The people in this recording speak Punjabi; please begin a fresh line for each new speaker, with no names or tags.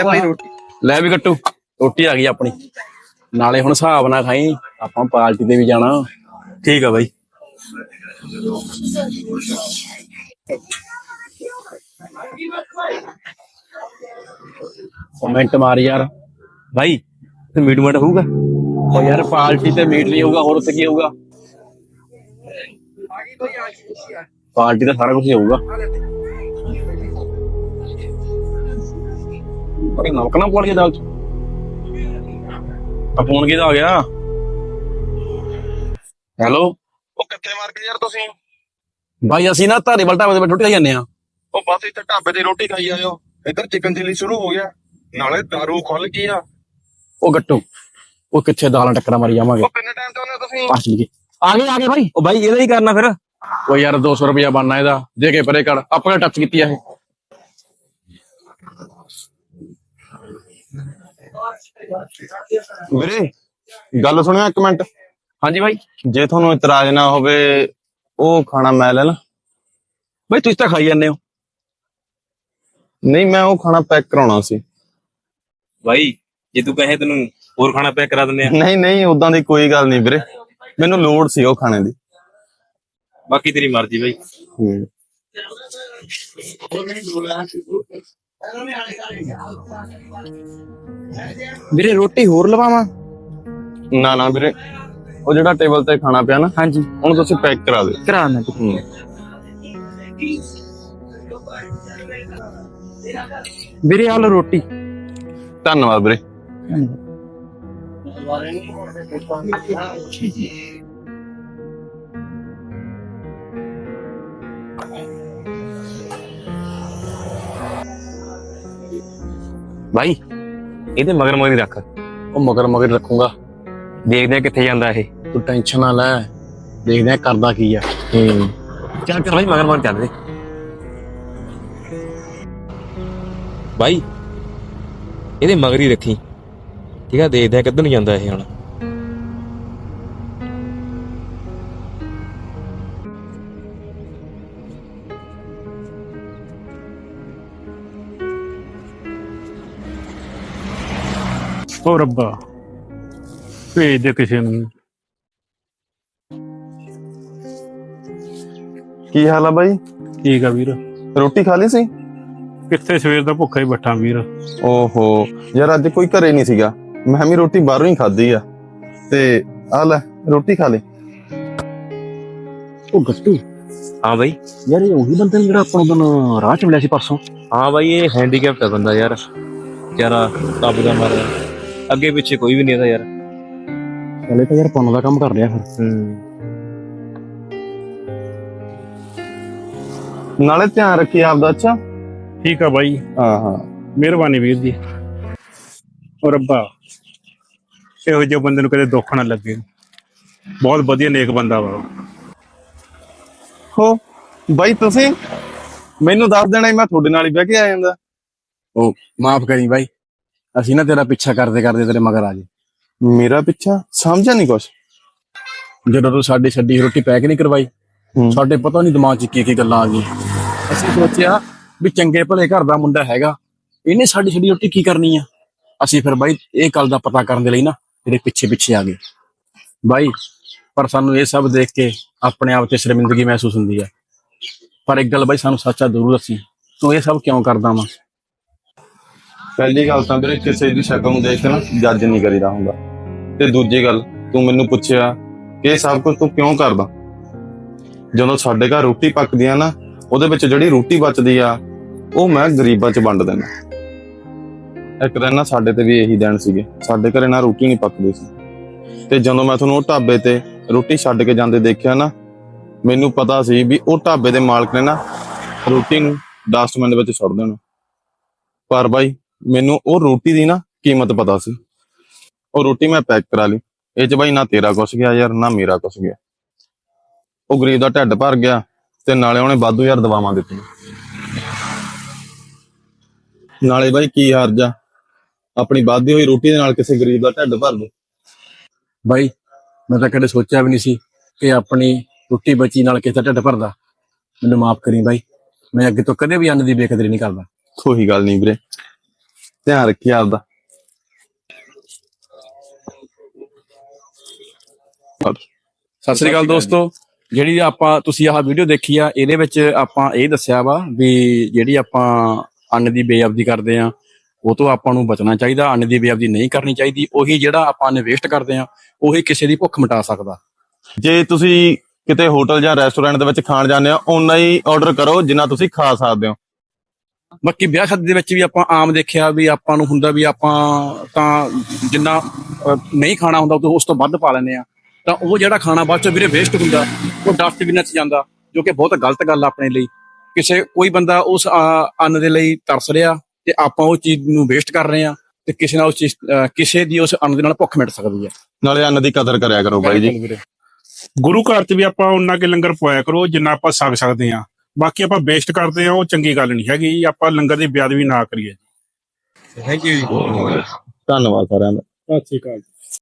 भाई रोटी
ਲੈ ਵੀ ਗੱਟੂ ਰੋਟੀ ਆ ਗਈ ਆਪਣੀ। ਨਾਲੇ ਹੁਣ ਹਿਸਾਬ ਨਾਲ ਖਾਈ, ਆਪਾਂ ਪਾਰਟੀ ਤੇ ਵੀ ਜਾਣਾ।
ठीक है भाई।
ਕਮੈਂਟ ਮਾਰ ਯਾਰ।
भाई तो मीट माट होगा?
ਉਹ ਯਾਰ ਪਾਰਟੀ ਤੇ ਮੀਟ ਨਹੀਂ ਹੋਊਗਾ, ਹੋਰ ਉੱਥੇ ਕੀ ਹੋਊਗਾ? ਪਾਰਟੀ ਤਾਂ ਸਾਰਾ ਕੁਝ ਹੀ ਹੋਊਗਾ। ਪਰ ਨਮਕ ਨਾ ਪਾ ਲਈ ਦਾਲ ਚ। ਆ ਫੋਨ ਕਿਹਦਾ ਆ ਗਿਆ? ਹੈਲੋ।
ਉਹ ਕਿੱਥੇ ਮਾਰ ਕੇ ਯਾਰ ਤੁਸੀਂ?
ਭਾਈ ਅਸੀਂ ਨਾ ਧਾਰੀਵਾਲ ਢਾਬੇ ਤੇ ਰੋਟੀ ਖਾਈ ਜਾਂਦੇ ਆ।
ਉਹ ਬਸ ਇੱਥੇ ਢਾਬੇ ਤੇ ਰੋਟੀ ਖਾਈ ਆਇਓ। ਇੱਧਰ ਚਿਕਨ ਚਿੱਲੀ ਸ਼ੁਰੂ ਹੋ ਗਿਆ, ਨਾਲੇ ਦਾਰੂ ਖੁੱਲ ਗਈ ਆ।
ਉਹ ਗੱਟੂ, ਉਹ ਕਿੱਥੇ ਦਾਲਾਂ ਟੱਕਰਾਂ ਮਾਰੀ ਜਾਵਾਂਗੇ।
ਉਹ ਕਿੰਨੇ ਟਾਈਮ ਤੋਂ ਆਉਂਦੇ ਹੋ ਤੁਸੀਂ?
ਪਾਸ ਲਈ ਆ ਗਏ ਭਾਈ।
ओ भाई ये ही करना फिर।
ਉਹ ਯਾਰ 200 ਰੁਪਇਆ ਬਣਨਾ ਇਹਦਾ, ਦੇ ਕੇ ਪਰੇ ਕਰ। ਆਪਾਂ ਟੱਚ ਕੀਤੀ ਆ ਇਹ।
ਵੀਰੇ ਗੱਲ ਸੁਣਿਓ ਇੱਕ ਮਿੰਟ।
ਹਾਂਜੀ ਭਾਈ।
ਜੇ ਤੁਹਾਨੂੰ ਇਤਰਾਜ਼ ਨਾ ਹੋਵੇ ਉਹ ਖਾਣਾ ਮੈਂ ਲੈ ਲਾਂ?
ਭਾਈ ਤੁਸੀਂ ਤਾਂ ਖਾਈ ਜਾਂਦੇ ਹੋ।
ਨਹੀਂ, ਮੈਂ ਉਹ ਖਾਣਾ ਪੈਕ ਕਰਾਉਣਾ ਸੀ।
भाई जे तू कहे तेन और खाना पैक करा देने।
ਨਹੀਂ ਨਹੀਂ, ਉਦਾਂ ਦੀ ਕੋਈ ਗੱਲ ਨਹੀਂ ਵੀਰੇ, ਮੈਨੂੰ ਲੋੜ ਸੀ ਉਹ ਖਾਣੇ ਦੀ।
बाकी तेरी मर्जी भाई।
ਵੀਰੇ ਰੋਟੀ ਹੋਰ ਲਵਾਵਾਂ?
ਨਾ ਨਾ ਵੀਰੇ, ਉਹ ਜਿਹੜਾ ਟੇਬਲ ਤੇ ਖਾਣਾ ਪਿਆ ਨਾ,
ਹਾਂਜੀ
ਉਹਨੂੰ ਤੁਸੀਂ ਪੈਕ ਕਰਾ ਦਿਓ।
ਕਰਾ ਮੈਂ। ਵੀਰੇ ਆ ਲਓ ਰੋਟੀ।
ਧੰਨਵਾਦ ਵੀਰੇ।
भाई ਇਹਦੇ ਮਗਰ ਮਗਰ ਹੀ ਰੱਖ,
ਉਹ ਮਗਰ ਮਗਰ ਰੱਖੂੰਗਾ।
ਦੇਖਦੇ ਆ ਕਿੱਥੇ ਜਾਂਦਾ ਇਹ।
ਤੂੰ ਟੈਨਸ਼ਨ ਨਾ ਲੈ, ਦੇਖਦੇ ਆ ਕਰਦਾ ਕੀ ਆ।
ਚੱਲ ਚੱਲ ਭਾਈ ਮਗਰ ਮਗਰ ਚੱਲਦੇ। ਭਾਈ ਇਹਦੇ ਮਗਰ ਹੀ ਰੱਖੀ, ਠੀਕ ਆ? ਦੇਖਦੇ ਆ ਕਿੱਧਰ ਨੂੰ ਜਾਂਦਾ ਇਹ ਹੁਣ।
ਓ ਰੱਬਾ, ਭੇਜ ਦੇ ਕਿਸੇ ਨੂੰ।
ਕੀ ਹਾਲ ਆ ਬਾਈ?
ਠੀਕ ਆ ਵੀਰ।
ਰੋਟੀ ਖਾ ਲਈ ਸੀ?
ਕਿੱਥੇ, ਸਵੇਰ ਦਾ ਭੁੱਖਾ ਹੀ ਬੱਠਾ ਵੀਰ।
ਓਹੋ ਯਾਰ, ਅੱਜ ਕੋਈ ਘਰੇ ਨਹੀਂ ਸੀਗਾ, ਮੈਂ ਵੀ ਰੋਟੀ ਬਾਹਰੋਂ ਹੀ ਖਾਧੀ ਆ। ਤੇ ਆ ਲੈ ਰੋਟੀ ਖਾ ਲੈ।
ਉਹ ਗੱਟੂ
हाँ भाई।
ਯਾਰ ਇਹ ਉਹੀ ਬੰਦੇ ਨੇ ਜਿਹੜਾ ਆਪਾਂ ਨੂੰ ਰਾਹ ਚ ਮਿਲਿਆ ਸੀ ਪਰਸੋਂ।
हाँ भाई ये हैंडीकैप्ट है बंदा यार, बेचारा तब का मर रहा, अगे पीछे कोई भी नहीं था यार।
ਚਲੇ ਤਾਂ ਯਾਰ ਪੁੰਨ ਦਾ ਕੰਮ ਕਰ ਰਿਹਾ ਫਿਰ।
ਨਾਲੇ ਧਿਆਨ ਰੱਖੀ ਆਪਦਾ। ਅੱਛਾ
ਠੀਕ ਆ ਬਾਈ,
ਹਾਂ ਹਾਂ,
ਮਿਹਰਬਾਨੀ ਵੀਰ ਜੀ। ਓ ਰੱਬਾ, ਇਹੋ ਜਿਹੇ ਬੰਦੇ ਨੂੰ ਕਦੇ ਦੁੱਖ ਨਾ ਲੱਗੇ। ਬਹੁਤ ਵਧੀਆ ਨੇਕ ਬੰਦਾ ਵਾ ਉਹ।
ਹੋ ਬਾਈ, ਤੁਸੀਂ ਮੈਨੂੰ ਦੱਸ ਦੇਣਾ ਸੀ, ਮੈਂ ਤੁਹਾਡੇ ਨਾਲ ਹੀ ਬਹਿ ਕੇ ਆ ਜਾਂਦਾ।
ਉਹ ਮਾਫ ਕਰੀ ਬਾਈ, ਅਸੀਂ ਨਾ ਤੇਰਾ ਪਿੱਛਾ ਕਰਦੇ ਕਰਦੇ ਤੇਰੇ ਮਗਰ ਆ ਗਏ।
ਮੇਰਾ ਪਿੱਛਾ? ਸਮਝਿਆ ਨਹੀਂ ਕੁਛ।
ਜਦੋਂ ਤੂੰ ਸਾਡੀ ਛੱਡੀ ਰੋਟੀ ਪੈਕ ਨਹੀਂ ਕਰਵਾਈ, ਸਾਡੇ ਪਤਾ ਨਹੀਂ ਦਿਮਾਗ 'ਚ ਕੀ ਗੱਲਾਂ ਆ ਗਈਆਂ। ਅਸੀਂ ਸੋਚਿਆ ਵੀ ਚੰਗੇ ਭਲੇ ਘਰ ਦਾ ਮੁੰਡਾ ਹੈਗਾ, ਇਹਨੇ ਸਾਡੀ ਛੱਡੀ ਰੋਟੀ ਕੀ ਕਰਨੀ ਆ। ਅਸੀਂ ਫਿਰ ਬਾਈ ਇਹ ਗੱਲ ਦਾ ਪਤਾ ਕਰਨ ਦੇ ਲਈ ਨਾ ਤੇਰੇ ਪਿੱਛੇ ਪਿੱਛੇ ਆ ਗਏ ਬਾਈ। ਪਰ ਸਾਨੂੰ ਇਹ ਸਭ ਦੇਖ ਕੇ ਆਪਣੇ ਆਪ 'ਚ ਸ਼ਰਮਿੰਦਗੀ ਮਹਿਸੂਸ ਹੁੰਦੀ ਆ। ਪਰ ਇੱਕ ਗੱਲ ਬਾਈ, ਸਾਨੂੰ ਸੱਚਾ ਜ਼ਰੂਰ ਦੱਸੀ, ਤੂੰ ਇਹ ਸਭ ਕਿਉਂ ਕਰਦਾ ਵਾ?
ਪਹਿਲੀ ਗੱਲ ਤਾਂ ਵੀਰੇ, ਕਿਸੇ ਦੀ ਸ਼ਕਲ ਨੂੰ ਦੇਖ ਕੇ ਨਾ ਜੱਜ ਨਹੀਂ ਕਰੀਦਾ ਹੁੰਦਾ। ਤੇ ਦੂਜੀ ਗੱਲ, ਤੂੰ ਮੈਨੂੰ ਪੁੱਛਿਆ ਕਿ ਇਹ ਸਭ ਕੁਝ ਤੂੰ ਕਿਉਂ ਕਰਦਾ। ਜਦੋਂ ਸਾਡੇ ਘਰ ਰੋਟੀ ਪੱਕਦੀ ਆ ਨਾ, ਉਹਦੇ ਵਿੱਚ ਜਿਹੜੀ ਰੋਟੀ ਬਚਦੀ ਆ ਉਹ ਮੈਂ ਗਰੀਬਾਂ 'ਚ ਵੰਡ ਦਿੰਦਾ। ਇੱਕ ਦਿਨ ਨਾ ਸਾਡੇ ਤੇ ਵੀ ਇਹੀ ਦਿਨ ਸੀਗੇ, ਸਾਡੇ ਘਰੇ ਨਾ ਰੋਟੀ ਨਹੀਂ ਪੱਕਦੀ ਸੀ। ਤੇ ਜਦੋਂ ਮੈਂ ਤੁਹਾਨੂੰ ਉਹ ਢਾਬੇ ਤੇ ਰੋਟੀ ਛੱਡ ਕੇ ਜਾਂਦੇ ਦੇਖਿਆ ਨਾ, ਮੈਨੂੰ ਪਤਾ ਸੀ ਵੀ ਉਹ ਢਾਬੇ ਦੇ ਮਾਲਕ ਨੇ ਨਾ ਰੋਟੀ ਨੂੰ ਡਸਟਬਿਨ ਦੇ ਵਿੱਚ ਸੁੱਟ ਦੇਣਾ। ਪਰ ਬਾਈ, ਮੈਨੂੰ ਉਹ ਰੋਟੀ ਦੀ ਨਾ ਕੀਮਤ ਪਤਾ ਸੀ। ਉਹ ਰੋਟੀ ਮੈਂ ਪੈਕ ਕਰਾ ਲਈ। ਇਹ 'ਚ ਬਾਈ ਨਾ ਤੇਰਾ ਕੁਛ ਗਿਆ ਯਾਰ, ਨਾ ਮੇਰਾ ਕੁਛ ਗਿਆ। ਉਹ ਗਰੀਬ ਦਾ ਢਿੱਡ ਭਰ ਗਿਆ ਤੇ ਨਾਲੇ ਉਹਨੇ ਵਾਧੂ ਯਾਰ ਦਵਾਵਾਂ ਦਿੱਤੀਆਂ। ਨਾਲੇ ਬਾਈ ਕੀ ਹਰਜ ਆ ਆਪਣੀ ਵੱਧਦੀ ਹੋਈ ਰੋਟੀ ਦੇ ਨਾਲ ਕਿਸੇ ਗਰੀਬ ਦਾ ਢਿੱਡ ਭਰ ਦੇ।
ਬਾਈ ਮੈਂ ਤਾਂ ਕਦੇ ਸੋਚਿਆ ਵੀ ਨਹੀਂ ਸੀ ਕਿ ਆਪਣੀ ਰੋਟੀ ਬਚੀ ਨਾਲ ਕਿਸੇ ਦਾ ਢਿੱਡ ਭਰਦਾ। ਮੈਨੂੰ ਮਾਫ ਕਰੀ ਬਾਈ, ਮੈਂ ਅੱਗੇ ਤੋਂ ਕਦੇ ਵੀ ਅੰਨ ਦੀ ਬੇਕਦਰੀ ਨਹੀਂ ਕਰਦਾ।
ਕੋਈ ਗੱਲ ਨਹੀਂ ਵੀਰੇ। ਧਿਆਨ ਰੱਖੀ ਆਪਦਾ।
ਸਤਿ ਸ੍ਰੀ ਅਕਾਲ ਦੋਸਤੋ, ਜਿਹੜੀ ਤੁਸੀਂ ਆਹ ਵੀਡੀਓ ਦੇਖੀ ਆ, ਇਹਦੇ ਵਿੱਚ ਆਪਾਂ ਇਹ ਦੱਸਿਆ ਵਾ ਵੀ ਜਿਹੜੀ ਆਪਾਂ ਅੰਨ ਦੀ ਬੇਅਬਦੀ ਕਰਦੇ ਆ ਉਹ ਤੋਂ ਆਪਾਂ ਨੂੰ ਬਚਣਾ ਚਾਹੀਦਾ। ਅੰਨ ਦੀ ਬੇਅਬਦੀ ਨਹੀਂ ਕਰਨੀ ਚਾਹੀਦੀ। ਉਹੀ ਜਿਹੜਾ ਆਪਾਂ ਅੰਨ ਵੇਸਟ ਕਰਦੇ ਆ ਉਹੀ ਕਿਸੇ ਦੀ ਭੁੱਖ ਮਿਟਾ ਸਕਦਾ।
ਜੇ ਤੁਸੀਂ ਕਿਤੇ ਹੋਟਲ ਜਾਂ ਰੈਸਟੋਰੈਂਟ ਦੇ ਵਿੱਚ ਖਾਣ ਜਾਂਦੇ ਹੋ, ਓਨਾ ਹੀ ਆਰਡਰ ਕਰੋ ਜਿੰਨਾ ਤੁਸੀਂ ਖਾ ਸਕਦੇ ਹੋ।
ਬਾਕੀ ਵਿਆਹ ਸ਼ਾਦੀ ਦੇ ਵਿੱਚ ਵੀ ਆਪਾਂ ਆਮ ਦੇਖਿਆ ਵੀ ਆਪਾਂ ਨੂੰ ਹੁੰਦਾ ਵੀ ਆਪਾਂ ਤਾਂ ਜਿੰਨਾ ਨਹੀਂ ਖਾਣਾ ਹੁੰਦਾ ਉਸ ਤੋਂ ਵੱਧ ਪਾ ਲੈਂਦੇ ਆ, ਤਾਂ ਉਹ ਜਿਹੜਾ ਖਾਣਾ ਬਾਅਦ ਚ ਵੀਰੇ ਵੇਸਟ ਹੁੰਦਾ ਉਹ ਡਸਟਬਿਨਾਂ 'ਚ ਜਾਂਦਾ, ਜੋ ਕਿ ਬਹੁਤ ਗਲਤ ਗੱਲ ਆ ਆਪਣੇ ਲਈ। ਕੋਈ ਬੰਦਾ ਉਸ ਅੰਨ ਦੇ ਲਈ ਤਰਸ ਰਿਹਾ ਤੇ ਆਪਾਂ ਉਹ ਚੀਜ਼ ਨੂੰ ਵੇਸਟ ਕਰ ਰਹੇ ਆ, ਤੇ ਕਿਸੇ ਦੀ ਉਸ ਅੰਨ ਦੇ ਨਾਲ ਭੁੱਖ ਮਿਟ ਸਕਦੀ ਹੈ।
ਨਾਲੇ ਅੰਨ ਦੀ ਕਦਰ ਕਰਿਆ ਕਰੋ ਬਾਈ ਜੀ।
ਵੀਰੇ
ਗੁਰੂ ਘਰ 'ਚ ਵੀ ਆਪਾਂ ਉਹਨਾਂ ਕੇ ਲੰਗਰ ਪਵਾਇਆ ਕਰੋ ਜਿੰਨਾ ਆਪਾਂ ਛਕ ਸਕਦੇ ਆ। ਬਾਕੀ ਆਪਾਂ ਵੇਸਟ ਕਰਦੇ ਆ, ਉਹ ਚੰਗੀ ਗੱਲ ਨਹੀਂ ਹੈਗੀ। ਆਪਾਂ ਲੰਗਰ ਦੀ ਬੇਅਦਬੀ ਨਾ ਕਰੀਏ।
ਥੈਂਕ ਯੂ ਜੀ।
ਧੰਨਵਾਦ ਸਾਰਿਆਂ ਦਾ।
ਸਤਿ ਸ਼੍ਰੀ ਅਕਾਲ।